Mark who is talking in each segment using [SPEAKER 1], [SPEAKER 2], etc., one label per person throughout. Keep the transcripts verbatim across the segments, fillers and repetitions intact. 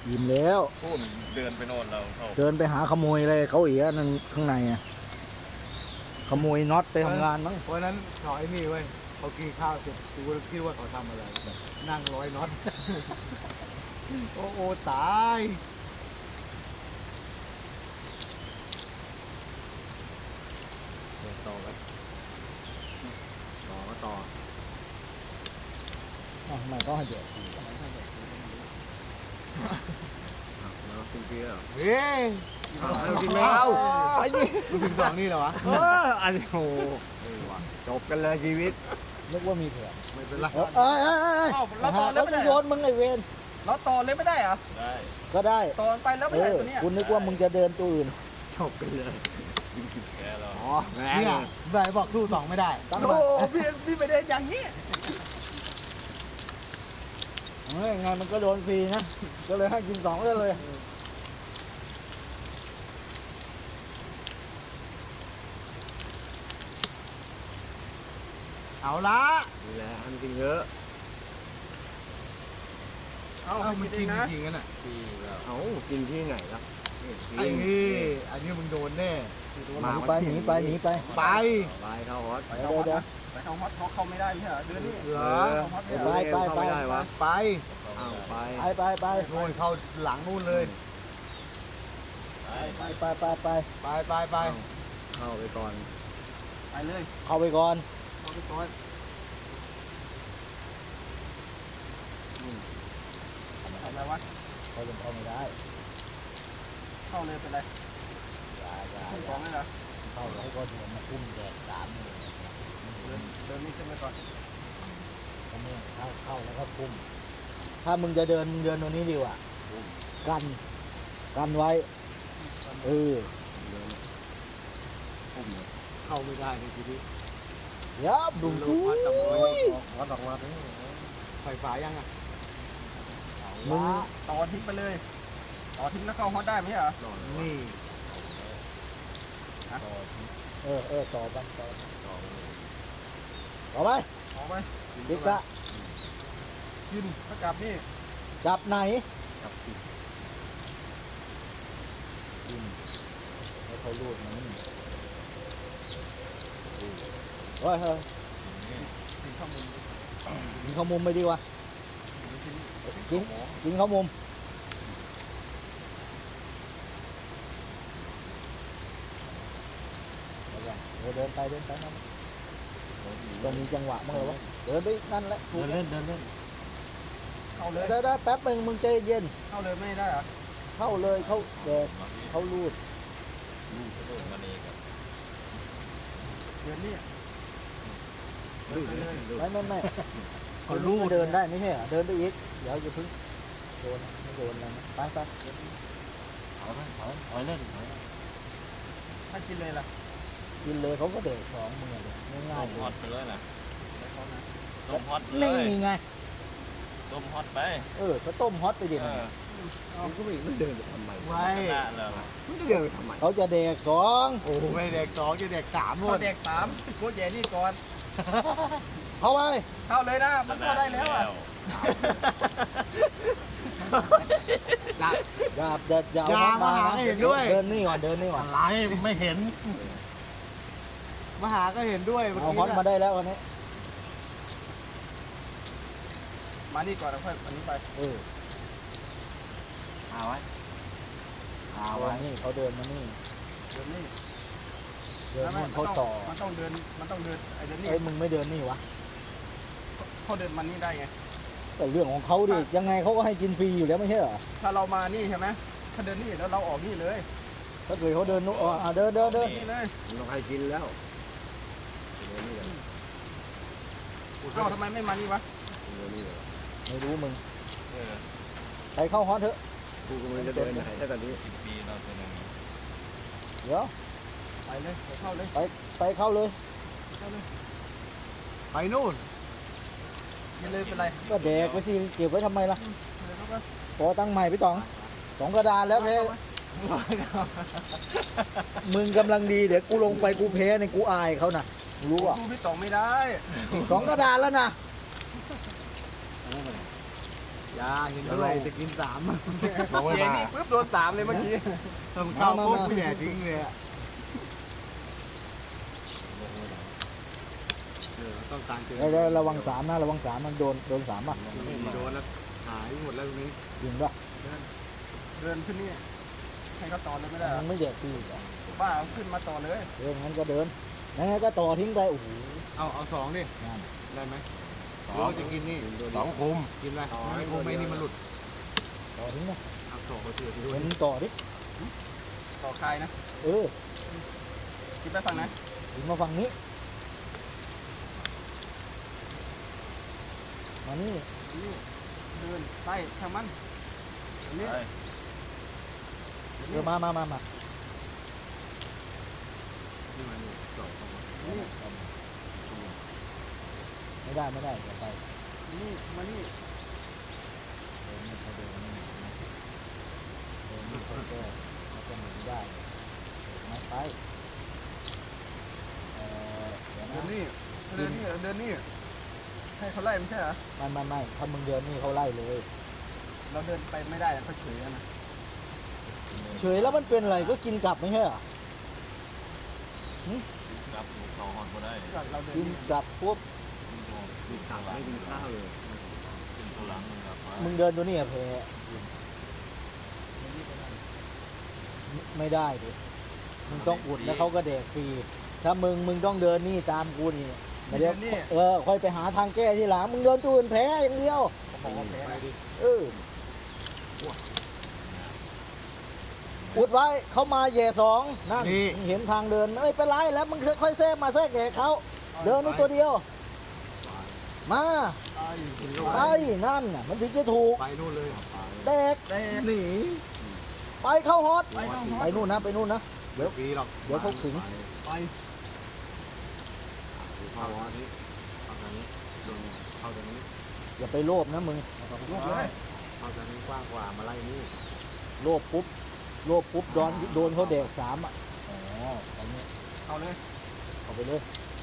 [SPEAKER 1] ยิ้มแล้ว
[SPEAKER 2] พูดเดินไปโน่นเราเข้า
[SPEAKER 1] เดินไปหาขโมยอะไรเขาอีกนั่นข้างในอ่ะขโมยน็อตไปทำงานมั้ง
[SPEAKER 3] เพราะฉะนั้นเขาไอ้นี่เว้ยเขากินข้าวเสร็จกูก็คิดว่าเขาทำอะไรแบบนั่งร้อยน็อต โอ้โหตาย
[SPEAKER 2] ต่อกันต่อก็ต่อ
[SPEAKER 1] อ้าวทำไมต้องให้เดือด
[SPEAKER 2] แล้วกินเบียร์
[SPEAKER 3] เฮ้ย
[SPEAKER 2] เอากินแล้ว
[SPEAKER 3] ไอ้นี่มึงถึงสองนี่เหรอวะ
[SPEAKER 2] เอออันนี้โอ้จบกันเลยชีวิต
[SPEAKER 1] นึกว่ามีเผื่อ
[SPEAKER 3] ไม่เป็นไร
[SPEAKER 1] เออเอ้ยเอ้ยเอ้ย
[SPEAKER 4] อ้าวเราต่อเลย
[SPEAKER 1] แล้ว
[SPEAKER 4] ไม่ได้
[SPEAKER 1] โยนมึงไอเวน
[SPEAKER 4] เราต่อเลยไม่ได้เหรอ
[SPEAKER 2] ได้
[SPEAKER 1] ก็ได้
[SPEAKER 4] ต่อไปแล้ว
[SPEAKER 1] เอ
[SPEAKER 4] ไม่ได้
[SPEAKER 1] อ
[SPEAKER 4] ตัวเนี้ย
[SPEAKER 1] คุณนึกว่ามึงจะเดินตัวอื่น
[SPEAKER 2] จบกันเลยแกเรา
[SPEAKER 3] อ๋อเนี่ยใบบอกสู้สองไม่ได้
[SPEAKER 1] ตั้ง
[SPEAKER 4] โอ้
[SPEAKER 1] มา
[SPEAKER 4] โหพี่พี่ไม่ได้อย่างนี้
[SPEAKER 1] เฮ้ยไงมันก็โดนฟรีนะ ก็เลยให้กินสองเลยเลย
[SPEAKER 3] เอาละ
[SPEAKER 2] นี่แหละทำกินเยอะ
[SPEAKER 4] เอา
[SPEAKER 3] เอา
[SPEAKER 4] ไป
[SPEAKER 3] มัน
[SPEAKER 4] กิน
[SPEAKER 3] กิ
[SPEAKER 4] เอน งนะ
[SPEAKER 3] จริงๆกันอ่ะ
[SPEAKER 2] ที่แล้วเอ้ากินที่ไหนล่ะ
[SPEAKER 3] ไอ้นี่อันนี้มึงโดนแน่
[SPEAKER 1] หนีไปหนีไปหนีไป
[SPEAKER 3] ไป
[SPEAKER 2] ไปเข้าฮอต
[SPEAKER 1] ไปเดี๋ยวเดี๋ยว
[SPEAKER 4] ไปเอาฮอตเขาเข้าไม่ได้ไม่ใช่เหรอเดือนนี้
[SPEAKER 3] เหรอ
[SPEAKER 4] เอาฮอตไม่
[SPEAKER 1] ไป
[SPEAKER 4] ได้
[SPEAKER 1] ไป
[SPEAKER 2] เข้าไม่ได้วะ
[SPEAKER 3] ไป
[SPEAKER 2] อ้าวไป
[SPEAKER 1] ไปไปไป
[SPEAKER 3] โน่นเข้าหลังนู่นเลย
[SPEAKER 1] ไปไปไปไป
[SPEAKER 3] ไปไปไป
[SPEAKER 2] เข้าไปก่อน
[SPEAKER 4] ไปเลย
[SPEAKER 1] เข้าไปก่อน
[SPEAKER 4] เอาไปก่อน ทำอะไรวะ
[SPEAKER 1] เขายังเข้าไม่ได้
[SPEAKER 4] เข้าเลยเป็นไร
[SPEAKER 1] อย่าอย่า
[SPEAKER 4] ขึ้น
[SPEAKER 1] อ
[SPEAKER 4] ข
[SPEAKER 1] ย่า
[SPEAKER 4] องเลยเหรอ
[SPEAKER 1] เข้าแล้วก็เดินมาอุ้มแดดสามเลย
[SPEAKER 4] เดินเดินนี่ขึ้นไปก่อน
[SPEAKER 1] เขาไม่เข้าเข้าแล้วก็อุ้มถ้ามึงจะเดินมึงเดินตรงนี้ดีกว่ากันกันไว้เออ
[SPEAKER 3] เข้าไม่ได้ในชีวิต
[SPEAKER 1] ยับดุมดุย
[SPEAKER 2] ฮอตออกมาเลย
[SPEAKER 3] ไฟฟ้ายังอ่ะ
[SPEAKER 1] มึง
[SPEAKER 4] ต่อทิ้งไปเลย ต่อทิ้งแล้วเข้าฮอตได้ไหมใช่เหรอ
[SPEAKER 3] นี่
[SPEAKER 1] เออเออต่อไปต่อต่อไป
[SPEAKER 4] ออกไป
[SPEAKER 1] ดิกะ
[SPEAKER 4] ยืนถ้ากลับนี่
[SPEAKER 1] จับไหน
[SPEAKER 2] กับติด
[SPEAKER 1] อืมให้เขาลูดมันเฮ้ยเฮ้ย
[SPEAKER 4] ถึงข้อมูล
[SPEAKER 1] กินข้าวมุมไปดีกว่ากินกินข้าวมุมเดี๋ยวเดินไปเดินไปนั่นต้องมีจังหวะมั้งเหรอวะเดินไปนั่นแหละถูก
[SPEAKER 2] เดินเล่นเดินเล่น
[SPEAKER 4] เข้าเลย
[SPEAKER 1] เดี๋ยวแป๊บนึงมึงใจเย็น
[SPEAKER 4] เข้าเลยไม่ได้เหรอ
[SPEAKER 1] เข้าเลยเข้าแดดเข้ารูด
[SPEAKER 2] ลูกกระโดดมาเองครับ
[SPEAKER 4] เดือนนี้
[SPEAKER 2] ลูกเลยลูก
[SPEAKER 1] ไม่ไม่ไม่เขารูดเดินได้ไม่ใช่เหรอเดินไปอีกเดี๋ยวจะพึ่งโดนไม่โดนอะไรนะไปไป
[SPEAKER 2] เอาไปเอาเอาเล่น
[SPEAKER 4] ถ้ากินเลยล่ะ
[SPEAKER 1] กินเลยเขาก็เด็กสองมือเลยง่ายๆเล
[SPEAKER 2] ฮอย ตไปเลยนะ
[SPEAKER 4] ไม่เขานะ
[SPEAKER 2] ต้มฮอตเล
[SPEAKER 1] นี่
[SPEAKER 2] ย
[SPEAKER 1] ไง
[SPEAKER 2] ต้มฮอตไป
[SPEAKER 1] เออก็ต้มฮอตไปดิ
[SPEAKER 2] เออมันก็ไม่ไม่เดินไปทำไม
[SPEAKER 3] ไว้
[SPEAKER 2] หน้าเลยมันจะเดินไปทำไม
[SPEAKER 1] เขาจะเด็กสอง
[SPEAKER 3] โอ้โหไม่เด็กสองจะเด็กสามหม
[SPEAKER 4] เข้า
[SPEAKER 3] ด
[SPEAKER 4] เด็กสามโคตรใหญ่นี่ก่อน
[SPEAKER 1] เข้าไป
[SPEAKER 4] เข้าเลยนะ มันเข้าได้แล้วอ่ะ
[SPEAKER 3] จะ
[SPEAKER 1] อย่าอย่าอย่า
[SPEAKER 3] อย่า
[SPEAKER 1] เอา
[SPEAKER 3] มาหาให้เห็นด้วย
[SPEAKER 1] เดินนี่ก่อนเดินนี่ก่อน
[SPEAKER 2] อะไรไม่เห็น
[SPEAKER 3] มาหาก็เห็นด้วยเมื่อ
[SPEAKER 1] เอา
[SPEAKER 3] กี้
[SPEAKER 1] ฮอตมา
[SPEAKER 3] นะ
[SPEAKER 1] ได้แล้ววันนี้
[SPEAKER 4] มานี่ก่อนแล้วค่อยอันนี้ไป
[SPEAKER 1] เออ
[SPEAKER 2] หาไว้หา
[SPEAKER 1] เอา
[SPEAKER 2] ไว้
[SPEAKER 1] นี่เขาเดินมานี่
[SPEAKER 4] เดินนี่
[SPEAKER 1] เดิน
[SPEAKER 4] แล้วไม่
[SPEAKER 1] นู่น
[SPEAKER 4] มัน
[SPEAKER 1] เขา
[SPEAKER 4] ต้อง
[SPEAKER 1] ต่อ
[SPEAKER 4] มันต้องเดิน มันต้องเดินไอ้เดินนี่
[SPEAKER 1] เอ้ยมึงไม่เดินนี่วะ
[SPEAKER 4] เขาเดินมันนี่ได้ไง
[SPEAKER 1] แต่เรื่องของเขาดิยังไงเขาก็ให้กินฟรีอยู่แล้วไม่ใช่เหรอ
[SPEAKER 4] ถ้าเรามานี่ใช่ไหมถ้าเดินนี่แล้วเราออกนี่เลย
[SPEAKER 1] ถ้าเกิดเขาเดินนู่นอ่ะเดินเดินเดิน
[SPEAKER 4] นี่เลย
[SPEAKER 2] มันต้องให้กินแล้วเดี๋ยวนี่เลย
[SPEAKER 4] เอ้าทำไมไม่มานี่วะ
[SPEAKER 2] เดี๋ยวนี่เลย
[SPEAKER 1] ไม่รู้มึง
[SPEAKER 2] เออ
[SPEAKER 1] ไปเข้าฮอตเถอะ
[SPEAKER 2] กูกำลังจะเดินไหนถ้าตอนนี้สิบปีเราเป็นยังไง
[SPEAKER 1] เดี๋ยว
[SPEAKER 4] ไปเลยไปเข้าเลย
[SPEAKER 1] ไปเข้าเลย
[SPEAKER 4] เข้าเลย
[SPEAKER 3] ไปนู่น
[SPEAKER 4] กินเลยเป็นไร
[SPEAKER 1] ก็แดกไปสิเก็บไว้ทำไมล่ะ
[SPEAKER 4] เดินเข้าไป
[SPEAKER 1] ขอตั้งใหม่พี่ต๋องสองกระดานแล้วเพมึงกำลังดีเดี๋ยวกูลงไปกูแพ้ในกูอายเขานะรู้อ่ะ
[SPEAKER 4] ดูพี่ต่องไม่ได้
[SPEAKER 1] สองกระดานแล้วนะ
[SPEAKER 3] อย่าเห็นด้วยจะกินสาม
[SPEAKER 2] ลองไม่
[SPEAKER 4] เย็น
[SPEAKER 2] มา
[SPEAKER 4] นี่ปุ๊บโดนสามเลยเมื่อกี้
[SPEAKER 3] ทำข้าวปุ๊บกูแย่ทิ้งเลยอะเออต้องการเจอ
[SPEAKER 1] เดี๋ยวๆระวังสามนะระวังสามมันโดนโดนสามอ่ะ
[SPEAKER 3] โดนแล้วหายหมดแล้วตรงนี้
[SPEAKER 1] จริงป่ะ
[SPEAKER 4] เดินขึ้นนี่ให้เขาต่อเลยไม่ได้เหร
[SPEAKER 1] มั
[SPEAKER 4] อน
[SPEAKER 1] ไม่แดกพี่อ่ะ
[SPEAKER 4] บ้าเอาขึ้นมาต่อเลย
[SPEAKER 1] เอองั้นก็เดินงั้นก็ต่อทิ้งไปโอ้โห
[SPEAKER 3] เอาเอาสองดิ
[SPEAKER 1] นั่น
[SPEAKER 3] ได้ไหม
[SPEAKER 2] ส
[SPEAKER 3] ห
[SPEAKER 2] อ
[SPEAKER 3] รือง ว่าจะกินนี่
[SPEAKER 2] สองคุม
[SPEAKER 3] กินอะไรไม่คงไม่นี่มันหลุด
[SPEAKER 1] ต่อทิ้งนะ
[SPEAKER 3] เอาสองก็เสือที่ด้ว
[SPEAKER 1] เห็
[SPEAKER 3] ย
[SPEAKER 1] นต่อดิ
[SPEAKER 4] ต่อคายนะ
[SPEAKER 1] เออ
[SPEAKER 4] คิดไปฝั่งไหน
[SPEAKER 1] ถึงมาฝั่งนี้มานี่
[SPEAKER 4] นี่เดินไปทางมันนี่
[SPEAKER 1] เออมามามามา
[SPEAKER 3] นี่มันนี่สองเข้ามา
[SPEAKER 4] นี่
[SPEAKER 1] ไม่ได้ไม่ได้จะไป
[SPEAKER 4] นี่มานี่
[SPEAKER 1] เดินนี่เขาเดินนี่นะเดินนี่เขาแก้เขาจะหนีได้เดินไม่ไปเออเดี๋ยว
[SPEAKER 4] เดิน
[SPEAKER 1] นะ
[SPEAKER 4] นี่เดินนี่เดินนี่ให้เขาไล่ไม่ใช่เหรอ
[SPEAKER 1] ไม่ไม่ไม่ถ้ามึงเดินนี่เขาไล่เลย
[SPEAKER 4] เราเดินไปไม่ได้เขาเฉยนะ
[SPEAKER 1] เฉยแล้วมันเป็นอะไรก็กินกลับไม่ใช่เหรอ
[SPEAKER 2] รับต่อหอดก็ได้
[SPEAKER 4] เราเดิน
[SPEAKER 1] กิน
[SPEAKER 4] นี่
[SPEAKER 1] กลับปุ๊บ
[SPEAKER 3] กินข้าวไม่กินข้าวเลย
[SPEAKER 2] ขึ้นตัวหลังมึงครับ
[SPEAKER 1] มึงเดินตัวนี้อะเพไม่ได้ดิมึงต้องอุดแล้วเขาก็แดกฟรีถ้ามึงมึงต้องเดินนี่ตามกูนี่ไม่เดี๋ยวเออค่อยไปหาทางแก้ที่หลังมึงเดินตัวอื่นแพ้อย่างเดียว
[SPEAKER 4] ของเขาแพ้
[SPEAKER 3] ไปดิ
[SPEAKER 1] เอออุดไว้เขามาแย่สองนั่นมึงเห็นทางเดินไม่เป็นไรแล้วมึงค่อยๆแทรกมาแทรกแดกเขาเดินนี่ตัวเดียว มา
[SPEAKER 3] กิน
[SPEAKER 1] ไปนั่นน่ะมันถึงจะถูก
[SPEAKER 3] ไปนู่นเลย
[SPEAKER 1] แดก
[SPEAKER 4] แต่
[SPEAKER 3] หนี
[SPEAKER 1] ไปเข้าฮอต
[SPEAKER 4] ไปเข้าฮอต
[SPEAKER 1] ไปนู่นนะไปนู่นนะ
[SPEAKER 3] เดี๋ยวปีหรอก
[SPEAKER 1] เดี๋ยวเขาขึง
[SPEAKER 3] ไปเข้าอันนี้เข้าทางนี้โดนเข้าทางนี้
[SPEAKER 1] อย่าไปโลภนะมึง
[SPEAKER 4] ลูกเลย
[SPEAKER 3] เข้าทางนี้กว้างกว่ามาไล่นี่
[SPEAKER 1] โลภปุ๊บโลภปุ๊บโดนโดนเขาแดกสามอ่ะอ๋อเอาเนี้ย
[SPEAKER 4] เอาเลย
[SPEAKER 1] เอาไปเลย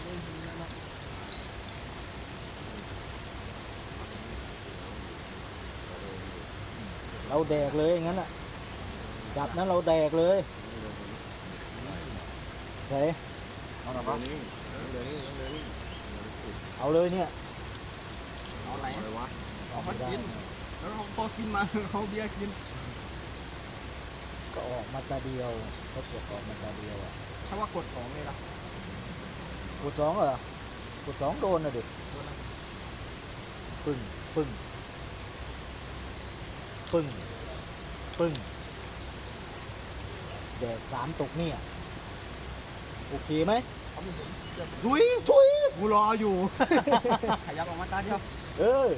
[SPEAKER 1] เราแดกเลยงั้นอ่ะจับนั้นเราแดกเลยเฮ้ย
[SPEAKER 3] เอาละครับนี่เดี๋ยวนี้เดี๋ยวนี้
[SPEAKER 1] เอาเลยเนี่ย
[SPEAKER 4] เอาไหน
[SPEAKER 3] อะไรวะ
[SPEAKER 1] เอาไม่ได้
[SPEAKER 4] แล้วเขาพอกินมาเขาเบียร์กิน
[SPEAKER 1] ก็ออกมาตาเดียวเขาเก็บออกมาตาเดียวอ่ะ
[SPEAKER 4] ถ้าว่ากดของเลยล่ะ
[SPEAKER 1] กดสองเหรอ กดสองโดนนะเด็กปึ้ง ปึ้ง ปึ้ง ปึ้ง แดกสามตกเนี่ย โอเคไหม
[SPEAKER 4] เขาไม่เห็น
[SPEAKER 3] ทุยทุยกูรออยู่
[SPEAKER 4] ขยับออกมาตาเดียว
[SPEAKER 1] เออ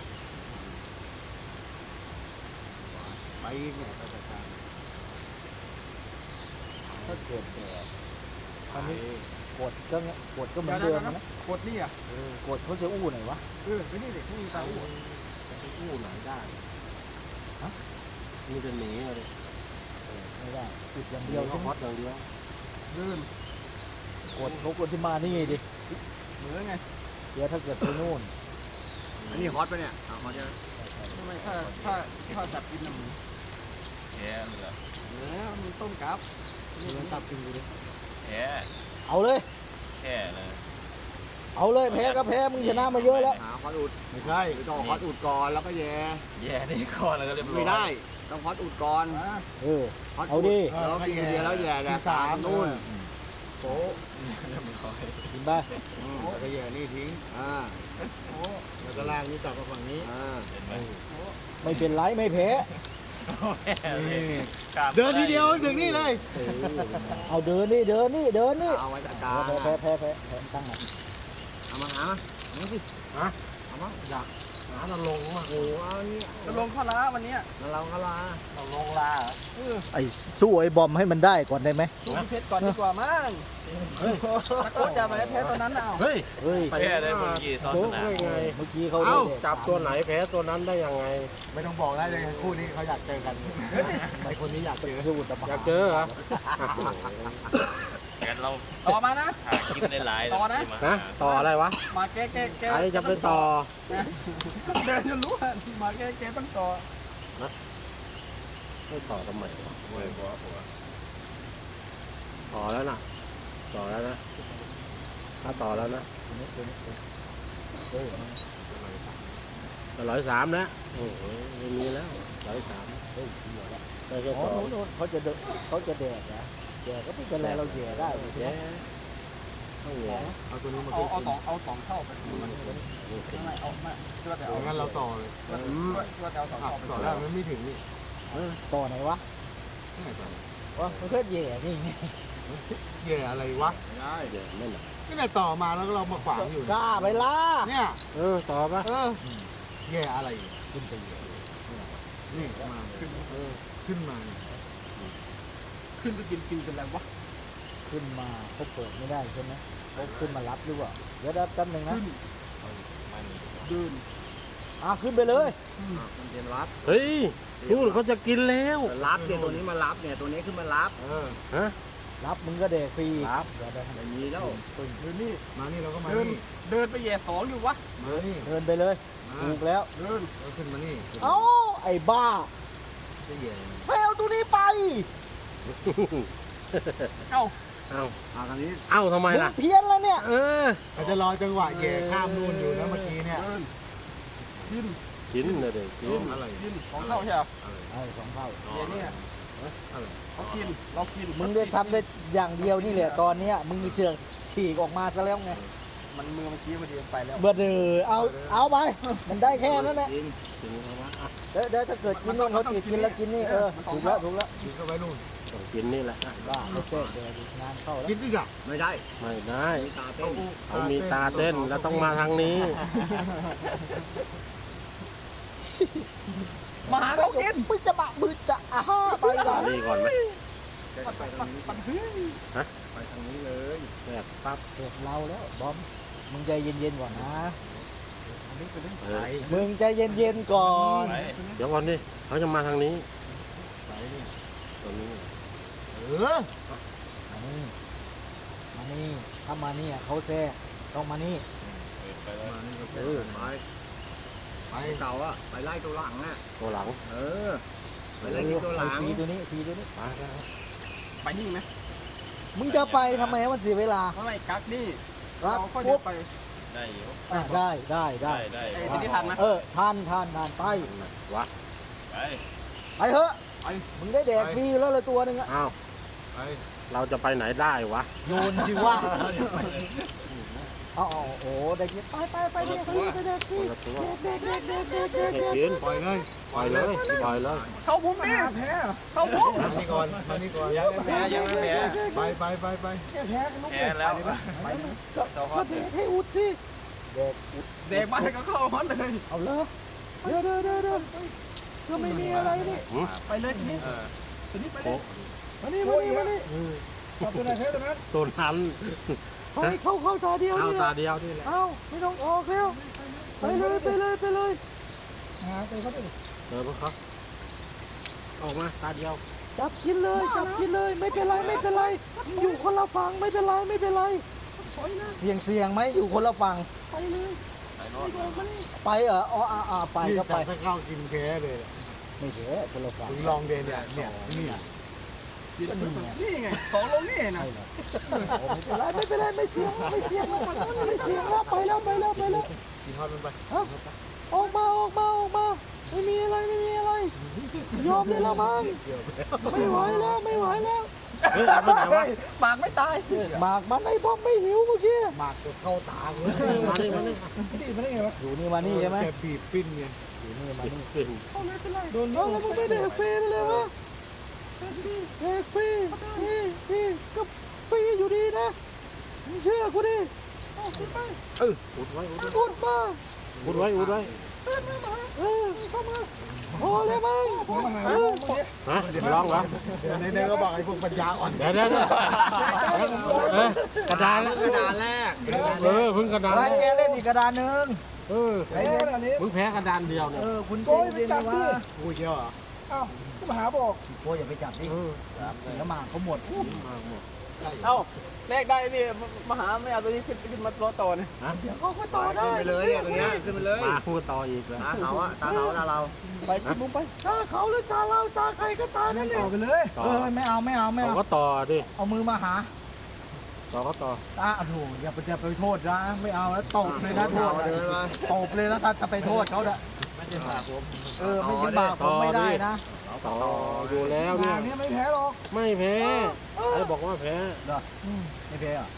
[SPEAKER 3] ไปอีกเนี่ยก็จะการ
[SPEAKER 1] ถ้าเกิดแดก
[SPEAKER 3] ไป
[SPEAKER 1] อันนี้กดก็เนี่ยกดก็เหมือนเดิมนะ
[SPEAKER 4] กดนี่อ่ะ
[SPEAKER 1] เออกดเขาจะอู้หน่อยวะ
[SPEAKER 4] เออไม่นี่เด็กไม่มีตาอู้
[SPEAKER 2] จะไปกู้ไหนได้ฮะมึงจะหนีเลย
[SPEAKER 1] เออไม่ได้อุดอย่าง
[SPEAKER 2] เดี
[SPEAKER 1] เดี
[SPEAKER 2] ย
[SPEAKER 1] ยว ว
[SPEAKER 2] ก็
[SPEAKER 1] ใช่ไห
[SPEAKER 2] ฮ
[SPEAKER 1] ม
[SPEAKER 2] อตอย่างเดียว
[SPEAKER 4] เดิน
[SPEAKER 1] กดเขากดที่มานี่ดิ
[SPEAKER 4] เหมือนไง
[SPEAKER 1] เดี๋ยวถ้าเกิดไปนู่น
[SPEAKER 3] อันนี้ฮอตปะเนี่ยอ่าฮอตยัง
[SPEAKER 4] ทำไมถ้าถ้าถ้าจับกินน่ะมึง
[SPEAKER 2] แย่เลย
[SPEAKER 4] เออมันต้มกับ
[SPEAKER 3] นี่มันตับกินกูดิ
[SPEAKER 2] แย่
[SPEAKER 1] เอาเลย
[SPEAKER 2] แค่เลย
[SPEAKER 1] เอาเลยแพ้ก็แพ้มึงชนะมาเยอะแล้ว
[SPEAKER 3] หาฮอตอุดไม่ใช่ต้องฮอตอุดก่อนแล้วก็แย่
[SPEAKER 2] แย่นี่ก่อนแล้วก็เรียบร้อย
[SPEAKER 3] ไม่ได้ต้องฮอตอุดก่อน
[SPEAKER 4] อ่า
[SPEAKER 1] เออ
[SPEAKER 3] ฮอต
[SPEAKER 1] เอาดิ
[SPEAKER 3] แล้วกินเดียวแล้วแย่แย่สามนู่นโป๊ะ
[SPEAKER 2] เรียบร้อย
[SPEAKER 1] กินไป
[SPEAKER 3] แล้วก็แย่นี่ทิ้งอ่า
[SPEAKER 4] โอ้
[SPEAKER 3] แล้วก็ล่างนี้กลับมาฝั่งนี้อ่า
[SPEAKER 2] เห็นไหม
[SPEAKER 1] ไม่เป็นไรไม่แพ้
[SPEAKER 3] เดินทีเดียวถึงนี่เลย
[SPEAKER 1] เออเอาเดินนี่เดินนี่เดินนี่
[SPEAKER 3] เอาไว้จัดการ
[SPEAKER 1] แพ้แพ้แพ้แพ้แพ้ตั้งหน่อย
[SPEAKER 3] เอามาหามาเอาสิฮะเอามาอยากหาตะลงอ่ะโอ้เอาเนี่ย
[SPEAKER 4] จะลงข้าวล้าวันเนี้ย
[SPEAKER 3] แล้วเราก็ลา
[SPEAKER 2] เราลงลา
[SPEAKER 4] เออ
[SPEAKER 1] ไอ้สู้ไอ้บอมให้มันได้ก่อนได้ไหม
[SPEAKER 4] ดูพี่เพชรก่อนดีกว่ามั้งตะโกนจะมาแพ้ตอนนั้นเอา
[SPEAKER 2] เฮ้ย
[SPEAKER 1] เฮ้ย
[SPEAKER 2] แพ้ได้เมื่อกี้ตอนสนาม
[SPEAKER 1] เมื่อกี้เขาได้แดก
[SPEAKER 2] จับตัวไหนแพ้ตัวนั้นได้ยังไง
[SPEAKER 3] ไม่ต้องบอกได้เลยคู่นี้เขาอยากเจอกันไอคนนี้อยากเจอ
[SPEAKER 1] สู้ตะบะ
[SPEAKER 2] อยากเจอเหรอ
[SPEAKER 5] งั้นเรา
[SPEAKER 4] ต่อมานะ
[SPEAKER 5] หาคลิปในไลน์
[SPEAKER 4] ต่อนะ
[SPEAKER 5] ที่มา
[SPEAKER 2] นะ
[SPEAKER 5] หา
[SPEAKER 2] ต่ออะไรวะ
[SPEAKER 4] มาแก้แก้แก้
[SPEAKER 2] ใครจะไปต่อ
[SPEAKER 4] เดินจนรู้อ่ะมาแก้แก้ต้องต่อ
[SPEAKER 2] ไม่ต่อทำไมวะ
[SPEAKER 3] โอ้ยหัวหัว
[SPEAKER 2] ต่อแล้วนะต่อแล้วนะถ้าต่อแล้วนะ
[SPEAKER 1] ตัวนี้ตัวนี้ตัวนี้เออ
[SPEAKER 2] ร้อยสามแล้วโอ้โหไม่มีแล้วร้อยสาม
[SPEAKER 1] เฮ้ยเหี้ยละ
[SPEAKER 2] ได้แค่
[SPEAKER 1] อ๋อ
[SPEAKER 2] ต่อ
[SPEAKER 1] โน่นโน่นเขาจะเดนเขาจะแดกนะแดกก็ไม่เป็นไรเราแย่ได้อยู่
[SPEAKER 2] แย่
[SPEAKER 1] ใช่ไหม
[SPEAKER 2] ต้องแย่
[SPEAKER 3] เอาตัวนี้มา
[SPEAKER 4] เอา
[SPEAKER 3] ขึ้น
[SPEAKER 4] เอาสองเอาสองเท่าไปมันไม่เอาไม่ช่วยแต่
[SPEAKER 3] เอา
[SPEAKER 4] เอา
[SPEAKER 3] งั้นเราต่อเลย
[SPEAKER 4] ช่วยช่วยแต่เอาสอง
[SPEAKER 3] อ่ะ
[SPEAKER 4] เท่าไป
[SPEAKER 3] ต่อได้มันไม่ถึงนี่
[SPEAKER 1] ต่อไหนวะ
[SPEAKER 3] ที่ไหนต่อ
[SPEAKER 1] วะมันก็แย่นี่ไง
[SPEAKER 3] แย่อะไรวะ
[SPEAKER 2] แย่ไม่หนัก
[SPEAKER 3] นี่ไหนต่อมาแล้วก็เรามาขวางอยู่
[SPEAKER 1] กล้าไปล่า
[SPEAKER 3] เนี่ย
[SPEAKER 2] เออต่อปะ
[SPEAKER 3] เออแย่อะไร
[SPEAKER 1] ขึ้นไปแย่
[SPEAKER 3] นี่มาขึ้นเออขึ้นมาเนี่ย
[SPEAKER 4] ขึ้นไปกินกินเป็นไรวะ
[SPEAKER 1] ขึ้นมาเขาเปิดไม่ได้ใช่ไหมเขาขึ้นมารับหรือเปล่าเดี๋ยวแป๊บนึงนะ
[SPEAKER 4] ขึ้นเดิน
[SPEAKER 1] อ่ะขึ้นไปเลย
[SPEAKER 6] มันเป็นรับ
[SPEAKER 2] เฮ้ยนู่นเขาจะกินแล้ว
[SPEAKER 6] รับเนี่ยตัวนี้มารับเนี่ยตัวนี้ขึ้นมารับ
[SPEAKER 3] เออ
[SPEAKER 2] ฮะ
[SPEAKER 1] รับมึงก็แดกฟรี
[SPEAKER 2] รับ
[SPEAKER 1] เดี๋ยวเดี๋ยว
[SPEAKER 6] อย่างนี้แล้ว
[SPEAKER 4] เดินนี่
[SPEAKER 3] มานี่เราก็มา
[SPEAKER 4] เดิน
[SPEAKER 3] นี่
[SPEAKER 4] เดินไปแย่สองอยู่วะ
[SPEAKER 3] มานี่
[SPEAKER 1] เดินไปเลย
[SPEAKER 3] มา
[SPEAKER 1] ถูกแล้ว
[SPEAKER 4] เดิน
[SPEAKER 3] เราขึ้นมานี่
[SPEAKER 1] เอ้าไอ้บ้า
[SPEAKER 3] จะแย่
[SPEAKER 1] ให้เอาตัวนี้ไป
[SPEAKER 4] เอ้า
[SPEAKER 2] เอ้า
[SPEAKER 6] มาทางนี้
[SPEAKER 2] เอ้าทำไม
[SPEAKER 1] มึง
[SPEAKER 2] ล่ะ
[SPEAKER 1] เพี้ยนแล้วเนี่ย
[SPEAKER 2] เออ
[SPEAKER 3] เราจะรอจังหวะแย่ข้ามนู่นอยู่นะเมื่อกี้เนี่ย
[SPEAKER 4] เดินกิน
[SPEAKER 2] กินเลยเด็กกิน
[SPEAKER 3] อะไร
[SPEAKER 4] กินสองเท่าใช่ไหม
[SPEAKER 1] ไอ้สองเท่า
[SPEAKER 4] เดี๋ยวนี้
[SPEAKER 3] อะไร
[SPEAKER 4] เขากินเรากิน
[SPEAKER 1] มึงได้ทำได้อย่างเดียวนี่แหละตอนเนี้ยมึงมีเชือกฉีกออกมาซะแล้วไง
[SPEAKER 4] มันมือมันชี้มาดีไปแล้ว
[SPEAKER 1] เบอร์เดอเอาเอาไป มันได้แค่นั้นแหละ
[SPEAKER 6] กิน
[SPEAKER 2] กินเขาวะอ่ะ
[SPEAKER 1] เดี๋ยวเดี๋ยวถ้าเกิดกินนู่นเขาติดกินแล้วกินนี่เออถูกแล้วถูกแล้ว
[SPEAKER 3] กินเข้าไปนู่น
[SPEAKER 2] ต้องกินนี่แหละอ่ะ
[SPEAKER 1] บ้าไม่ใช่เดี๋ยวงานเข้าแล้ว
[SPEAKER 3] กินดิจ้ะ
[SPEAKER 6] ไม่ได้
[SPEAKER 2] ไม่ได้
[SPEAKER 6] มีตาเต้น
[SPEAKER 2] เขามีตาเต้นแล้วต้องมาทางนี้
[SPEAKER 4] มาหาเขากิน
[SPEAKER 1] มึงจะบะมึงจะอ่าฮ่าไปก่อน
[SPEAKER 2] นี่ก่อนไหม
[SPEAKER 6] ไปทางนี้
[SPEAKER 4] ปันพื้น
[SPEAKER 6] ไปทางนี้เลย
[SPEAKER 2] แบบปั๊บ
[SPEAKER 1] เสร็จเราแล้วบอมมึงใจเย็นๆก่อนนะ
[SPEAKER 2] เออ
[SPEAKER 1] มึงใจเย็นๆก่อน
[SPEAKER 5] ไป
[SPEAKER 2] เดี๋ยวก่อนดิเขาจะมาทางนี้
[SPEAKER 3] ไปนี่
[SPEAKER 2] ตรงนี้
[SPEAKER 3] เออ
[SPEAKER 1] มานี่มานี่ถ้ามานี่อ่ะเขาแซ่ต้องมานี่
[SPEAKER 5] ไปแล้ว
[SPEAKER 3] มานี่ก็
[SPEAKER 6] เอ
[SPEAKER 3] เอ
[SPEAKER 6] อ
[SPEAKER 3] อ
[SPEAKER 6] ไป
[SPEAKER 3] ไป
[SPEAKER 6] ไปเก่าอะไปไล่ตัวหลังน่ะ
[SPEAKER 2] ตัวหลัง
[SPEAKER 6] เออ ไปไล่กินตัวหลัง
[SPEAKER 1] ไอ้ทีตัวนี้ทีตัวนี้
[SPEAKER 2] ไปไปไป
[SPEAKER 4] ไปนี่ไหม
[SPEAKER 1] มึงจะไปทำไมให้มันเสียเวลา
[SPEAKER 4] เพราะไม่กักนี่
[SPEAKER 1] รั
[SPEAKER 4] เรา
[SPEAKER 1] ก
[SPEAKER 4] ก็เดินไป
[SPEAKER 5] ได้อยู่
[SPEAKER 1] อ่ะได้ได้ได้
[SPEAKER 5] ได้ได้
[SPEAKER 4] ไอ้ที่นี่ทันนะ
[SPEAKER 1] เออทานทานทานไป
[SPEAKER 2] วะ
[SPEAKER 5] ไป
[SPEAKER 1] ไปเถอะมึงได้แดกฟรีอยู่แล้วเลยตัวหนึ่งอะ
[SPEAKER 2] อ้าว
[SPEAKER 3] ไป
[SPEAKER 2] เราจะไปไหนได้วะ
[SPEAKER 1] โยนสิว่าเอาเอาโอ้ได้กินไปไปไปเด็กฟรีไปเด็กฟ
[SPEAKER 2] ค
[SPEAKER 1] รี
[SPEAKER 2] นละตัว
[SPEAKER 1] เด็กเด็กเด็กเด็กเด็ก
[SPEAKER 2] ให้
[SPEAKER 1] เด็ก
[SPEAKER 2] กิน
[SPEAKER 3] ปล่อยเลย
[SPEAKER 2] ปล่อยเลยปล่อยเลย
[SPEAKER 4] เข้ามุมนี่เข้ามุม
[SPEAKER 3] มานี่ก่อนมานี่ก่อน
[SPEAKER 5] ยังไม่แพ้ยังไม่แพ้
[SPEAKER 3] ไปไปไปไป
[SPEAKER 1] แพ้แพ้ลูก
[SPEAKER 5] แพ้แล้ว
[SPEAKER 1] ไปก็ก็เด็กให้อุดสิเด็กอุด
[SPEAKER 4] เด็กมาก็เข้ามันเลย
[SPEAKER 1] เอาเลยเดี๋ยวเดี๋ยวเดี๋ยวเดี๋ยวก็ไม่มีอะไรนี่
[SPEAKER 2] หืม
[SPEAKER 4] ไปเลยทีนี้
[SPEAKER 5] เออ
[SPEAKER 4] ทีนี้ไปเล
[SPEAKER 2] โอ้
[SPEAKER 4] ย
[SPEAKER 1] มานี่มานี่มานี่
[SPEAKER 3] เอาตัวไหนเท่านั้น
[SPEAKER 2] ตัวนั้น
[SPEAKER 1] เฮ้ยเข้าเข้าตาเดียว
[SPEAKER 2] เอา
[SPEAKER 1] นี่แห
[SPEAKER 2] ตา
[SPEAKER 1] ละ
[SPEAKER 2] เดียวนี่แหละ
[SPEAKER 1] เอ้าไม่ต้องออกแล้วไปเลยไปเลยไปเลยหาไปเขาไป
[SPEAKER 2] เจอพวกเขาออกมาตาเดียว
[SPEAKER 1] จับกินเลยจับกินเลยไม่เป็นไรไม่เป็นไรอยู่คนละฝั่งไม่เป็นไรไม่เป็นไรเสียงเสียงไหมอยู่คนละฝั่งไปเลย
[SPEAKER 5] ไปโน่น
[SPEAKER 1] ไปเหรออ๋ออ่าอ่าไปก็ไป
[SPEAKER 3] ถ้าเข้ากินแพ้เลย
[SPEAKER 1] ไม่เสียคนละฝั่ง
[SPEAKER 3] มึงลองเดนเนี่ยเนี่ยนี่
[SPEAKER 1] ก็นี่ไง
[SPEAKER 4] นี่ไงสองลงนี่นะ
[SPEAKER 1] ใช่เลยไม่เป็นไรไม่เป็นไรไม่เสียงไม่เสียงไม่เสียงแล้วไปแล้วไปแล้วไปแล้ว
[SPEAKER 3] กินทอดมันไป
[SPEAKER 1] ออกมาออกมาออกมาไม่มีอะไรไม่มีอะไรยอมได้แล้วมั้งไม่ไหวแล้วไม่ไหวแล้ว
[SPEAKER 2] เฮ้ยเอาไปไหนวะ
[SPEAKER 4] ปากไม่ตาย
[SPEAKER 1] หมากมันไอ้บอมไม่หิวเมื่อกี้
[SPEAKER 3] หมากจะเข้าตาเลย
[SPEAKER 2] มาดิมาดิ
[SPEAKER 1] อยู่นี่มานี่ใช่ไหม
[SPEAKER 3] แกบีบปิ้นไง
[SPEAKER 1] อยู่นี่มานี่
[SPEAKER 2] ขึ้น
[SPEAKER 1] โดนแล้วมึงไม่ได้ฟรีไปเลยวะเด็กฟรีนี่นี่ก็ฟรีอยู่ดีนะมึงเชื่อกูดิ
[SPEAKER 2] เอออุดไว้อุดไว้
[SPEAKER 1] อุดมา
[SPEAKER 2] อุดไว้อุดไว้
[SPEAKER 1] เออเข้ามาพอเลยมั้งเออ
[SPEAKER 2] ฮะร้องเหรอ
[SPEAKER 3] เดี๋ยวในๆก็บอกไอ้พวกปัญญาอ่อน
[SPEAKER 2] เดี๋ยวเดี๋ยวเดี๋ยวเออกระดานแล้วกระดานแรกเออเพิ่งกระดาน
[SPEAKER 1] ไป
[SPEAKER 2] แร
[SPEAKER 1] แก
[SPEAKER 2] ก
[SPEAKER 1] เล่นอีกกระดานหนึ่ง
[SPEAKER 2] เออ
[SPEAKER 1] ไอ้เนี่ย
[SPEAKER 2] เพิ่งแพ้กระดานเดียวเนี่ย
[SPEAKER 1] เออคุณโก้ยไปจับดิ
[SPEAKER 3] กูเชียวเหรอ
[SPEAKER 1] ก็มาหาบอกโก้ยอย่าไปจับดิ
[SPEAKER 2] เออ
[SPEAKER 1] เสียหมากเขาหมด
[SPEAKER 2] มาหมด
[SPEAKER 1] เ
[SPEAKER 4] เอ้าแลกได้นี่มาหาไม่เอาตัวนี้ขึ้นขึ้นมาล้อต่อเนี่ย
[SPEAKER 2] ฮะ
[SPEAKER 4] เขาก็ต่อได้
[SPEAKER 6] ขึ้นไปเลยเนี่ยตรงเนี้ยขึ้นไปเลย
[SPEAKER 2] มาพูดต่ออีกเลย
[SPEAKER 6] ตาเขาอะตาเขาตาเรา
[SPEAKER 4] ไปชิมุมไปตาเขาหรือตาเราตาใครก็ตานั่นเอ
[SPEAKER 3] ต่องไปเลย
[SPEAKER 2] ต่อ
[SPEAKER 1] เออไม่เอาไม่เอาไม่
[SPEAKER 2] เขา
[SPEAKER 1] เอา
[SPEAKER 2] ก็ต่อดิ
[SPEAKER 1] เอามือมาหา
[SPEAKER 2] ต่อก็ต่อ
[SPEAKER 1] ตาโอ้โหอย่าไปอย่าไปโทษนะไม่เอาแล้วตบเลยนะโทษ
[SPEAKER 6] เดินมา
[SPEAKER 1] ตบเลยนะถ้าจะไปโทษเขาเด้อ
[SPEAKER 5] ไม่ใช่ผ่าผม
[SPEAKER 1] เออไม่ใช่บาปผมไม่ได้นะ
[SPEAKER 2] ต่ออยู่แล้วเนี่ย
[SPEAKER 3] งานนี้ไม่แพ้หรอก
[SPEAKER 2] ไม่แพ้ไอ้บอกว่าแพ้
[SPEAKER 1] เด้อไม่แพ้อ่ะ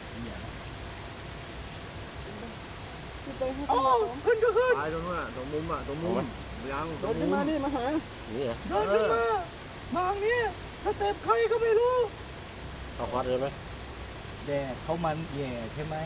[SPEAKER 4] โอ้ขึ้นก็ขึ้น
[SPEAKER 6] ตายตรงนู้นอะตรงมุมอะตรงมุมยังต
[SPEAKER 4] เดิ
[SPEAKER 6] รง
[SPEAKER 4] นขึ้
[SPEAKER 6] มุ
[SPEAKER 4] น
[SPEAKER 6] ม
[SPEAKER 4] มานี่มาหา
[SPEAKER 2] นี่เหรอ
[SPEAKER 4] เดินขึ้นมามาอย่างนี้ถ้าเต็มใครก็ไม่รู้
[SPEAKER 2] ต่อคอร์ดเลยไหม
[SPEAKER 1] แดดเขามันแย่ใช่ไหม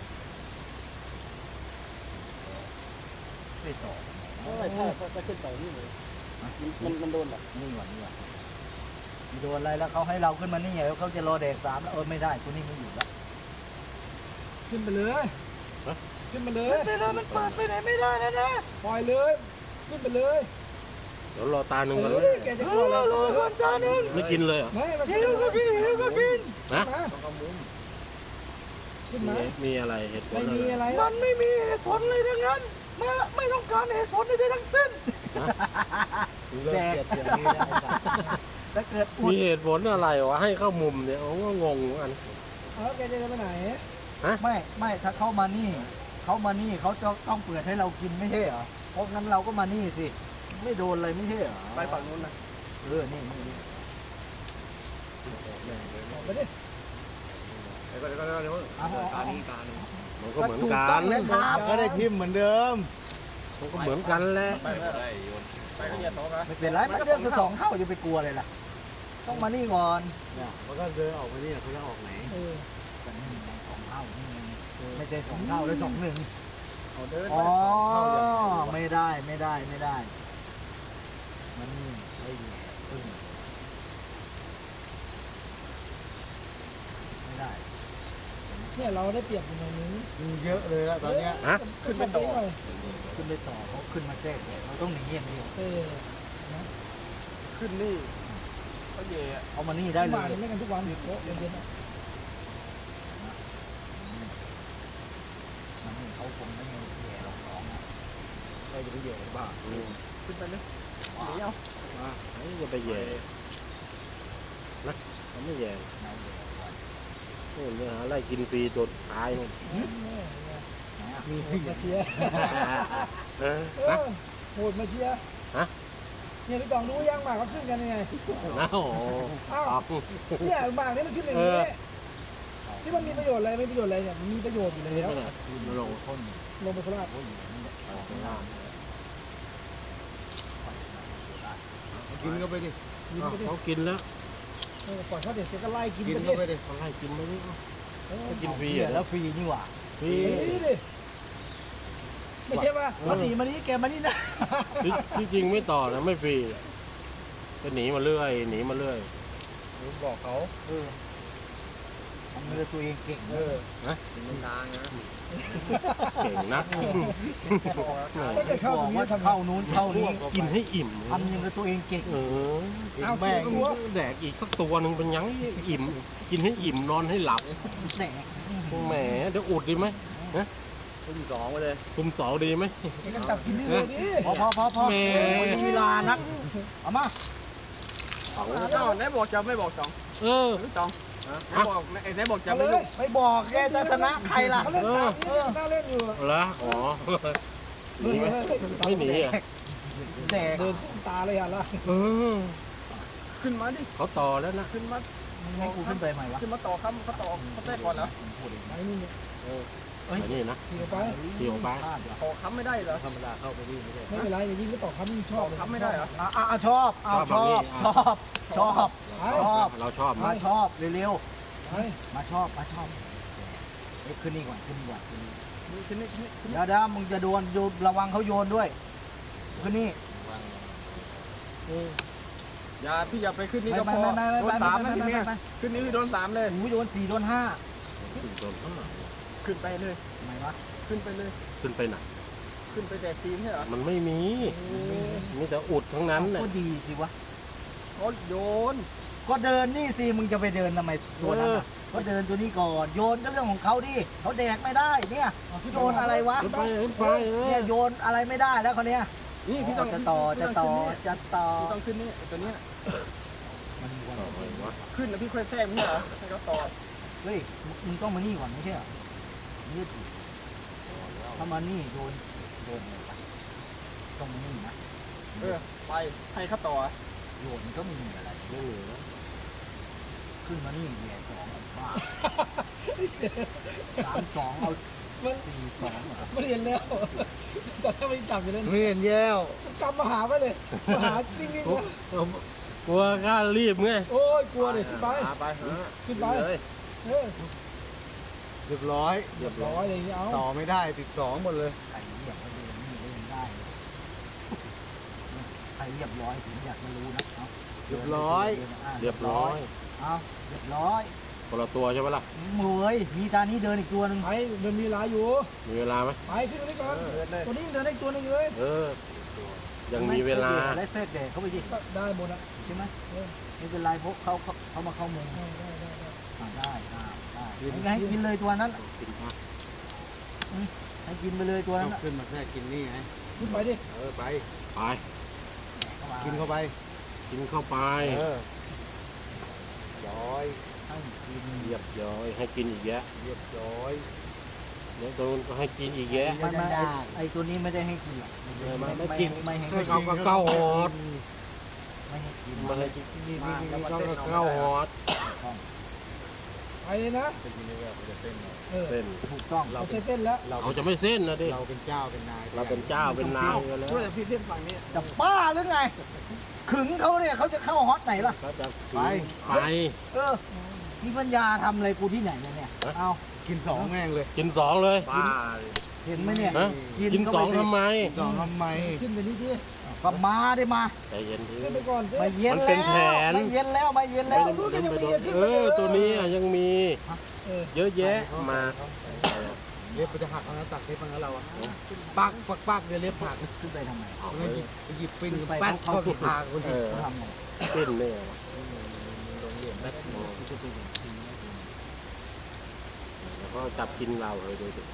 [SPEAKER 1] ไม่ต่อ
[SPEAKER 4] ไม่ใช่จะขึ้นไปนี่เลยมันมันโดนหรอ
[SPEAKER 1] นี่หว่านี่หว่ามีโดนอะไรแล้วเขาให้เราขึ้นมานี่ไงแล้วเขาจะรอแดกสามแล้วเออไม่ได้ตัวนี้ไม่อยู่แล้ว
[SPEAKER 3] ขึ้นไปเลยขึ้นไปเลย
[SPEAKER 4] แต่เรามันเปิดไปไหนไม่ได้นะนะ
[SPEAKER 3] ปล่อยเลยขึ้นไปเลย
[SPEAKER 2] เดี๋ยวรอตาหนึ่งก่อน
[SPEAKER 3] เฮ้ยแกจะกลัวอะไร
[SPEAKER 4] รอก่อนจานนึง
[SPEAKER 2] ไม่กินเลยเหรอ
[SPEAKER 3] ไม่มา
[SPEAKER 4] หิวก็กินหิวก็กิน
[SPEAKER 2] นะ
[SPEAKER 3] มา
[SPEAKER 6] ต้องเข้ามุม
[SPEAKER 3] ขึ้น
[SPEAKER 2] มี
[SPEAKER 3] มา
[SPEAKER 2] มีอะไรเหตุผล
[SPEAKER 3] ไม่
[SPEAKER 2] อะไร
[SPEAKER 3] มีอะไรหร
[SPEAKER 4] มั
[SPEAKER 3] อก
[SPEAKER 4] นไม่มีเหตุผลเลยทั้งนั้นไม่ไม่ต้องการเหตุผลใดๆทั้งสิ้น
[SPEAKER 1] แดกอย่างนี้นะถ้าเกิดอุด
[SPEAKER 2] มีเหตุผลอะไรวะให้เข้ามุมเนี่ยโอ้ก็งงเหมือนกัน
[SPEAKER 3] เอาแกจะไปไหน
[SPEAKER 1] ไม่ไม่ถ้าเขามานี่เขามานี่เขาจะต้องเปิดให้เรากินไม่ใช่เหรอเพราะงั้นเราก็มานี่สิไม่โดนอะไรไม่ใช่เหรอ
[SPEAKER 4] ไปฝั่งนู้นนะ
[SPEAKER 1] เออนี่นี่นี่
[SPEAKER 3] ออกไปดิ
[SPEAKER 6] เดี๋ยวก่อนเดี๋ยวก่อนเดี๋ยวก่อนตานี้ตาหนึ่ง
[SPEAKER 2] มันก็เหมือน
[SPEAKER 1] ถู
[SPEAKER 2] กั
[SPEAKER 1] ต้อน งนะครับก็ได้พิมพ์เหมือนเดิม
[SPEAKER 2] มันก็เหมือนกันแหละ
[SPEAKER 5] ไปไม่ได้โยน
[SPEAKER 4] ไปก็เนี่ยสองนะ
[SPEAKER 1] ไม่เป็นไรมันเดือนสองเท่าจะไปกลัวเลยล่ะต้องมานี่ก่อน
[SPEAKER 3] มันก็เดินออกไปนี่เขาจะออกไหนเออ
[SPEAKER 1] แต่นี่มันสองเท่านี่ไงไม่ใช่สองเท่าเลยสองหนึ่ง
[SPEAKER 4] เอาเดิน
[SPEAKER 1] อ๋อไม่ได้ไม่ได้ไม่ได้ มันนี่ไอ้แย่พึ่งไม่ได้
[SPEAKER 3] เนี่ยเราได้เปรียบอยู่ในนี้
[SPEAKER 1] มีเยอะเลยแล้วตอนเนี้ย
[SPEAKER 2] ฮะ
[SPEAKER 3] ขึ้นไปต่อ
[SPEAKER 1] ขึ้นไปต่อเขาขึ้นมาแก้แค้นเราต้องหนีอย่างเดียว
[SPEAKER 3] เออ
[SPEAKER 4] ขึ้นนี่เขาเย่
[SPEAKER 1] เอามานี่ได้เล
[SPEAKER 3] มาย เนี่ยไม่กันทุกวันอยู่โต๊ะเย็นๆ
[SPEAKER 1] มันนี่เขาคงไม่แย่หรอกน้องอะเราจะไปแย่บ้า
[SPEAKER 2] อืม
[SPEAKER 4] ขึ้นไปเลยหนีเอา
[SPEAKER 2] มาไอ้จะไปแย่นะเขาไม่แย่
[SPEAKER 1] เราแย่ก่อน
[SPEAKER 2] โอ้เนื้อหาไล่กินฟรีตัวท้ายนู่น
[SPEAKER 3] มีโหดมาเชียร์
[SPEAKER 2] เออ
[SPEAKER 3] เอ
[SPEAKER 2] นะ
[SPEAKER 3] อโหดมาเชียร์
[SPEAKER 2] ฮะ
[SPEAKER 3] เนี่ยพี่ตองรู้ยังหมากเขาขึ้นกันยังไง
[SPEAKER 2] นะโอ้โห
[SPEAKER 3] อ้าว
[SPEAKER 2] ตอบ
[SPEAKER 3] เนี่ยหมากนี่มันขึ้นอย่างนี้ที่มันมีประโยชน์อะไรไม่ประโยชน์อะไรเนี่ยมันมีประโยชน์อยู่
[SPEAKER 2] ไม่
[SPEAKER 3] แล้ว
[SPEAKER 2] ใช่มาลง
[SPEAKER 1] คน
[SPEAKER 3] ลงไปโคราช
[SPEAKER 1] โอ้ยนี่แหละ
[SPEAKER 2] ออกข้างล่าง
[SPEAKER 6] กินเข้าไปดิ
[SPEAKER 3] กินไปดิ
[SPEAKER 2] เขากินแล้ว
[SPEAKER 3] เออปล่อยเขาเด็กก็ไล่กิน
[SPEAKER 6] กิน
[SPEAKER 3] ไป
[SPEAKER 6] เข้าไป
[SPEAKER 3] ดิ
[SPEAKER 6] ดิ
[SPEAKER 2] เขาไล่กินไม่ได้
[SPEAKER 3] เออ
[SPEAKER 2] กินฟรี
[SPEAKER 1] เหี้ย
[SPEAKER 2] อ่ะ
[SPEAKER 1] แล้วฟรีนี่หว่า
[SPEAKER 2] ฟรี
[SPEAKER 3] นี่ดิไม่ใช่ป่ะ
[SPEAKER 1] มาหนีมานี่แกมานี่นะ
[SPEAKER 2] ที่ที่จริงไม่ต่อนะไม่ฟรีก็หนีมาเรื่อยหนีมาเรื่อย
[SPEAKER 6] บอกเขา
[SPEAKER 1] เออทำเรือตัวเองเก่ง
[SPEAKER 3] เออ
[SPEAKER 6] กินตานะ
[SPEAKER 2] เก่งนัก
[SPEAKER 3] ถ้าเกิดเข้าตรงนี้ทำไง
[SPEAKER 1] เข้านู้นเข้านี้
[SPEAKER 2] กินให้อิ่ม
[SPEAKER 1] ทำยังกับตัวเองเก่ง
[SPEAKER 2] เออ
[SPEAKER 3] เอา
[SPEAKER 1] แม่ง
[SPEAKER 3] กินตัว
[SPEAKER 2] แดกอีกสักตัวหนึ่งเป็นยังอิ่ม กินให้อิ่มนอนให้หลับ
[SPEAKER 1] แหน
[SPEAKER 2] แหมเดี๋ยวอุดดีไหม
[SPEAKER 6] ตุ้มสองไปเลย
[SPEAKER 2] คุมสองดีไหม
[SPEAKER 3] ไอ้กันจับกินนี่เลยดิ
[SPEAKER 1] พอพอพอพอ
[SPEAKER 2] แม่
[SPEAKER 1] โอ้ยมีลานักเอามา
[SPEAKER 2] เอา
[SPEAKER 4] เจ้าไหนบอกจะไม่บอกจอง
[SPEAKER 2] เออ
[SPEAKER 4] หรือจองไหนบอกไหนบอกจะ
[SPEAKER 3] เอา
[SPEAKER 4] ไม่
[SPEAKER 3] เล
[SPEAKER 4] รู้
[SPEAKER 3] ย
[SPEAKER 1] ไม่บอกแกจะชนะใครล่ะ
[SPEAKER 3] เขาเล่นตามนี่น่าเล่นอยู่
[SPEAKER 2] เอาละอ๋อหนีไหมไม่หนีอ่ะ
[SPEAKER 1] แดก
[SPEAKER 3] เดินตาเลยอ่ะล่ะ
[SPEAKER 2] เออ
[SPEAKER 4] ขึ้นมาดิ
[SPEAKER 2] เขาต่อแล้วนะ
[SPEAKER 4] ขึ้นมา
[SPEAKER 1] มึงให้กูขึ้นไปใหม่วะ
[SPEAKER 4] ขึ้นมาต่อคำเขาต่อเขาเต้ก่อนเหรอ
[SPEAKER 3] ไอ้นี่เนี่ย
[SPEAKER 2] ไอ้นี่นะ
[SPEAKER 3] ขี่ออกไป
[SPEAKER 2] ขี่ออกไป
[SPEAKER 4] ต่อคำไม่ได้เหรอ
[SPEAKER 1] ธรรมดาเข้าไปวิ่งไม่ได้
[SPEAKER 3] ไม่เป็นไรอย่างนี้ก็ต่อคำยิ่งช
[SPEAKER 4] ต่
[SPEAKER 3] อ
[SPEAKER 4] อบ คำไม่ได้เหรอ
[SPEAKER 1] อ่ะอ่ะอ่ะชอบอ่ะชอบชอบชอบ ชอบ
[SPEAKER 2] เราชอบไหม
[SPEAKER 1] มาชอบเร็ว
[SPEAKER 3] ไป
[SPEAKER 1] ๆมาชอบมาชอบเอ้ยขึ้นนี่ก่อนขึ้นนี่ก่อนขึ้นนี่
[SPEAKER 4] ขึ้นนี่ขึ้นนี่ขึ้น
[SPEAKER 1] เดี๋ยวเดี๋ยวมึงจะโดนโยนระวังเขาโยนด้วยขึ้นนี่
[SPEAKER 4] อย่าพี่อย่าไปขึ้นนี่
[SPEAKER 1] ไม่
[SPEAKER 4] ก็
[SPEAKER 1] ไม่
[SPEAKER 4] พอ
[SPEAKER 1] ไม่ไม่
[SPEAKER 4] โด
[SPEAKER 1] ไม่
[SPEAKER 4] นสามนะ
[SPEAKER 1] ไม่
[SPEAKER 4] พี่
[SPEAKER 1] ไม่
[SPEAKER 4] เมีย
[SPEAKER 1] ไม่
[SPEAKER 4] ขึ้นนี่โดนสามเลย
[SPEAKER 1] โอ้ยโดนสี่โดนห้า
[SPEAKER 2] โดนห้า
[SPEAKER 4] ขึ้นไปเลย
[SPEAKER 1] ทำไมวะ
[SPEAKER 4] ขึ้นไปเลย
[SPEAKER 2] ขึ้นไปไหน
[SPEAKER 4] ขึ้นไปแจกซีนใช่เหรอ
[SPEAKER 2] มันไม่มีมีแต่อุดทั้งนั้น
[SPEAKER 1] ก็
[SPEAKER 2] น่ะ
[SPEAKER 1] ดีสิวะ
[SPEAKER 4] เขาโยน
[SPEAKER 1] ก็เดินนี่สิมึงจะไปเดินทำไมตัวนั้นน่ะก็เดินตัวนี้ก่อนโยนก็เรื่องของเขาดิเขาแดกไม่ได้เนี่ยโยนอะไรวะ
[SPEAKER 2] ขึ้นไปขึ้นไปเอ
[SPEAKER 1] เนี่
[SPEAKER 2] อย
[SPEAKER 1] โยนอะไรไม่ได้แล้วเขาเนี้ย
[SPEAKER 4] นี่พี่ต้อง
[SPEAKER 1] จะต่อจะต่อจะต่อ
[SPEAKER 4] พี่ต้องขึ้นนี่ตัวเนี้ย
[SPEAKER 1] มันมีวัน
[SPEAKER 2] เอาไว้วะ
[SPEAKER 4] ขึ้นแล้วพี่ค่อยแทรกไม่ใช่เหรอให้เขาต่อ
[SPEAKER 1] เฮ้ยมึงต้องมานี่ก่อนไม่ใช่เหรอยืดอีกถ้ามานี่โยนโยนเลยปะต้องมานี่นะ
[SPEAKER 4] เออไปให้เขาต่อ
[SPEAKER 1] โยนก็ไม่มีอะไร
[SPEAKER 2] ไม่มีนะ
[SPEAKER 1] ขึ้นมานี่แย่สองบ้าสามสองเอาสี่สองเหรอ
[SPEAKER 3] ไม่เห็นแล้วแต่ถ้าไม่จับอยู่เลย
[SPEAKER 1] ไม่เห็นแย้ว
[SPEAKER 3] กำมาหาไปเลยมาหาจริงๆนะ
[SPEAKER 2] กลัวกล้ารีบไง
[SPEAKER 3] โอ้ยกลัวดิขึ้นไป
[SPEAKER 6] ไปฮะ
[SPEAKER 3] ขึ้นไป
[SPEAKER 6] เลย
[SPEAKER 3] เออ
[SPEAKER 1] เรียบร้อย
[SPEAKER 3] เรียบร้อยเลยางนี้เอา
[SPEAKER 1] ต่อไม่ได้ติดสองหมดเลยใครเรียบร้อยนี่เล่นได้ใครเรียบร้อยผมอยากจะรู้นะเอาเรียบร้อย
[SPEAKER 2] เรียบร้อย
[SPEAKER 1] เอาเรียบร้อย
[SPEAKER 2] คนละตัวใช่ไหมล่ะ
[SPEAKER 1] มวยมีตานี้เดินอีกตัวหนึ่ง
[SPEAKER 3] ไปมันมีเวลาอยู่
[SPEAKER 2] มีเวลาไหม
[SPEAKER 3] ไปขึ้นมานี่ก่อนตัวนี้เดินได้อีกตัวหนึงเลย
[SPEAKER 2] เออ ยังมีเวลา
[SPEAKER 1] ได้เซตเด็กเขาไปยิง
[SPEAKER 3] ก็ได้หมดอ่ะ
[SPEAKER 1] ใช่ไหม
[SPEAKER 3] เออ
[SPEAKER 1] ไม่เป็นไรพวกเขาเขาเขามาเข้ามุม
[SPEAKER 3] ได้ได้ได้ได้
[SPEAKER 1] อ่าได้ได้ได้ให้กินเลยตัวนั้น
[SPEAKER 2] กินพัก
[SPEAKER 1] ให้กินไปเลยตัวนั้น
[SPEAKER 6] ขึ้นมาแค่กินนี่ไง
[SPEAKER 3] ขึ้นไปดิ
[SPEAKER 6] เออไป
[SPEAKER 2] ไป
[SPEAKER 6] กินเข้าไป
[SPEAKER 2] กินเข้าไป
[SPEAKER 6] เออย้อย
[SPEAKER 1] ให้กิน
[SPEAKER 2] เรียบร้อยให้กินอีกแยะ
[SPEAKER 6] เรียบร้อย
[SPEAKER 2] เดี๋ยวตัวนู้นก็ให้กินอีกแยะ
[SPEAKER 1] ไม่ไม่ไอ้ไอตัวนี้ไม่ได้ให้กินหรอก
[SPEAKER 2] ไม่ไม่ไม่กิน
[SPEAKER 1] ไม่ให้
[SPEAKER 2] ให้
[SPEAKER 1] กิน
[SPEAKER 2] เขาก็เข้าหอด
[SPEAKER 1] ไม่ให้กิน
[SPEAKER 2] มาให้กินนี่นี่นี่เขาก็เข้าหอด
[SPEAKER 3] ไปเลยนะ
[SPEAKER 6] จะกินนี่แบบจะเต้นเรา
[SPEAKER 3] เออ
[SPEAKER 2] เส้น
[SPEAKER 1] ถูกต้อง
[SPEAKER 3] เราเต้นแล้ว
[SPEAKER 6] เรา
[SPEAKER 2] เขาจะไม่เส้นนะดิ
[SPEAKER 6] เราเป็นเจ้าเป็นนาย
[SPEAKER 2] เราเป็นเจ้าเป็นนายกันแล้ว
[SPEAKER 4] ช่วยแต่พี่เส้นฝั่งนี้
[SPEAKER 1] จะบ้าหรือไงขึงเขาเนี่ยเขาจะเข้าฮอตไหนล่ะ
[SPEAKER 2] เขาจะ
[SPEAKER 6] ไป
[SPEAKER 2] ไป
[SPEAKER 1] เออมีปัญญาทำอะไรกูที่ไหนเนี่ยเนี่ยเอา
[SPEAKER 6] กินสองแม่งเลย
[SPEAKER 2] กินสองเลย
[SPEAKER 6] ป้า
[SPEAKER 1] เห็นไหมเนี่ย
[SPEAKER 2] ฮะกินสองทำไม
[SPEAKER 6] สองทำไม
[SPEAKER 3] ขึ้นไปนี่ดิ
[SPEAKER 1] ก็มาได้มา
[SPEAKER 2] ใจเย็นที
[SPEAKER 3] ขึ้นไปก่อนสิ
[SPEAKER 1] ไม่เย็น
[SPEAKER 2] มันเป็
[SPEAKER 1] แล้
[SPEAKER 2] น
[SPEAKER 1] ว
[SPEAKER 2] แผน
[SPEAKER 1] ไม่เย็นแล้วไม่เย็นแล้ว
[SPEAKER 3] รู้กันยังมีขึ้น
[SPEAKER 2] เอ
[SPEAKER 3] ไปเลย
[SPEAKER 2] อตัวนี้อ่ะยังมี
[SPEAKER 3] เออ
[SPEAKER 2] เยอะแยะมา
[SPEAKER 6] เล็บมันจะหักเอานะตัดเล็บมันแล้วเราอะปักปักปักเดี๋ยวเล็บหัก
[SPEAKER 1] ขึ้นไปทำไม
[SPEAKER 2] เอา
[SPEAKER 6] ไป
[SPEAKER 2] เลย
[SPEAKER 6] หยิบไปหยิบปิ้ง
[SPEAKER 1] ไป
[SPEAKER 6] แป๊ด
[SPEAKER 1] เขา
[SPEAKER 6] เข้า
[SPEAKER 1] ติ
[SPEAKER 6] ที่
[SPEAKER 1] ด
[SPEAKER 6] ปากคน
[SPEAKER 2] เอ
[SPEAKER 6] ที่
[SPEAKER 2] อ
[SPEAKER 1] เขาทำไง
[SPEAKER 2] เส้นเนี่ย
[SPEAKER 6] โรงเรียนแป๊ด
[SPEAKER 2] แล้วก็จับกินเราเลยดูดิ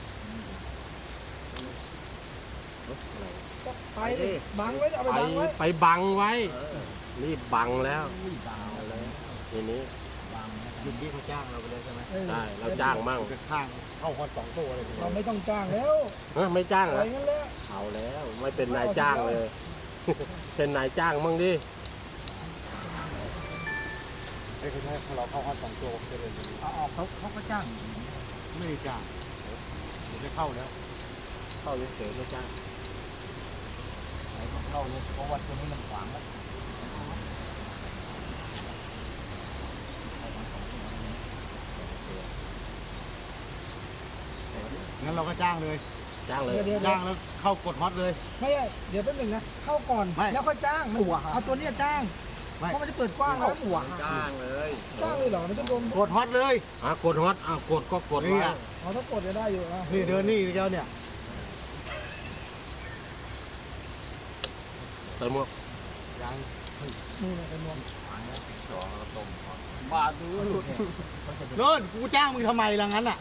[SPEAKER 2] อะไร
[SPEAKER 3] ไปดิบังไว้เอาไป
[SPEAKER 2] ไป
[SPEAKER 3] บังไว้
[SPEAKER 2] ไปบังไว้
[SPEAKER 6] เออ
[SPEAKER 2] รีบบังแล้ว
[SPEAKER 1] อุ้ยดาว
[SPEAKER 2] เอาแล้วทีนี้
[SPEAKER 1] วางแล้ว
[SPEAKER 6] กินที่เขาจ้างเราไปเลยใช่ไหม
[SPEAKER 3] เออ
[SPEAKER 2] ได้เราจ้างมั่ง
[SPEAKER 6] จะข้างเข้าคนสองตัวเลย
[SPEAKER 3] เราไม่ต้องจ้างแล้ว
[SPEAKER 2] เอ้ยไม่จ้าง
[SPEAKER 3] อะ
[SPEAKER 2] เหร
[SPEAKER 3] ไร
[SPEAKER 2] อ
[SPEAKER 3] งั้นแหละ
[SPEAKER 2] เอาแล้วไม่เป็นนายจ้างเลย เป็นนายจ้างมั่งดิ
[SPEAKER 6] ไอ้เขาใช้เราเข้าคนสองตัวจะเลย
[SPEAKER 1] เอาออกเขาเขาก็จ้าง
[SPEAKER 6] ไม่ได้จ้างเดี๋ยวจะเข้าแล้ว
[SPEAKER 2] เข้าเฉยๆไม่จ้าง
[SPEAKER 1] ไหนก็เข้าเลยเพราะว่าตัวนี้มันขวางแล้ว
[SPEAKER 6] งั้นเราก็จ้างเลย
[SPEAKER 2] จ้างเลย
[SPEAKER 3] เดี๋ยว
[SPEAKER 6] จ้างแล้วเข้ากดฮอตเลย
[SPEAKER 3] ไม่ใช่เดี๋ยวแป๊บหนึงนะเข้าก่อน
[SPEAKER 6] ไม่
[SPEAKER 3] แล้วค่อยจ้างมันเอาตัวเนี้ยจ้าง
[SPEAKER 6] ไม่
[SPEAKER 3] เพราะมันจะเปิดกว้างแล้ว
[SPEAKER 1] หัว
[SPEAKER 6] จ้างเลย
[SPEAKER 3] จ้างเลยเหรอมันจะโดน
[SPEAKER 6] กดฮอตเลย
[SPEAKER 2] อ่ะกดฮอตอ่ะกดก็กด
[SPEAKER 6] นี่
[SPEAKER 2] ไว้
[SPEAKER 6] อ่ะ
[SPEAKER 3] เอาถ้ากดจะได้อยู่นะ
[SPEAKER 6] นี่เดินนี่เจ้าเนี่ย
[SPEAKER 2] ใส่หมวก
[SPEAKER 6] ยัง
[SPEAKER 3] นี่นะเป็นนวม
[SPEAKER 4] บาดดูหลุด
[SPEAKER 6] โน่นกูจ้างมึงทำไมล่ะงั้นอ่ะ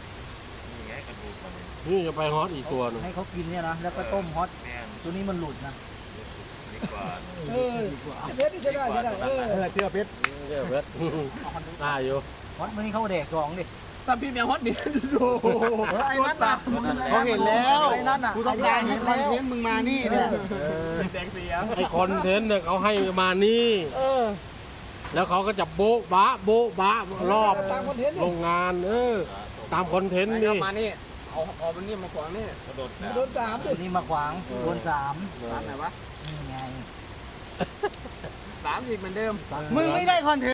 [SPEAKER 2] นี่จะไปฮอตอีกตัวหนึง
[SPEAKER 1] ให้เขากินเนี่ยนะแล้วก็ต้มฮอตตัวนี้มันหลุดนะ
[SPEAKER 3] เออเพชรนี่จะได้จะได้เออ
[SPEAKER 6] เออเชื่อเพชร
[SPEAKER 2] เรียบร้อยได้อยู่
[SPEAKER 1] ฮอตวันนี้เขาแดกสองดิ
[SPEAKER 4] ถ้าพี่แมวฮอตดิโอ้โห
[SPEAKER 1] เออไอ้นั่นน่ะ
[SPEAKER 6] เขาเห็นแล้ว
[SPEAKER 1] ไอ้นั่นน่ะ
[SPEAKER 6] กูต้องการให้คอนเทนต์มึงมานี่เนี่ย
[SPEAKER 4] แดงเสียง
[SPEAKER 2] ไอคอนเทนต์เนี่ยเขาให้มานี่
[SPEAKER 3] เออ
[SPEAKER 2] แล้วเขาก็จะโบ๊ะบะโบ๊ะบะรอบ
[SPEAKER 3] ตามคอนเทนต์
[SPEAKER 2] โร
[SPEAKER 3] นี่
[SPEAKER 2] งงาน เออ ตามคอนเทนต์
[SPEAKER 4] ไหน
[SPEAKER 2] นี่
[SPEAKER 4] ก็มานี่เอาเอามันนี่มาขวางนี่
[SPEAKER 5] กระโดด
[SPEAKER 3] โดนสามดิ
[SPEAKER 1] ตัวนี้มาขวางโดนสาม
[SPEAKER 4] ร้านไหนวะ
[SPEAKER 1] นี่ไง
[SPEAKER 4] สามอีกเหมือนเดิม
[SPEAKER 6] มึงไม่ได้คอนเทนต์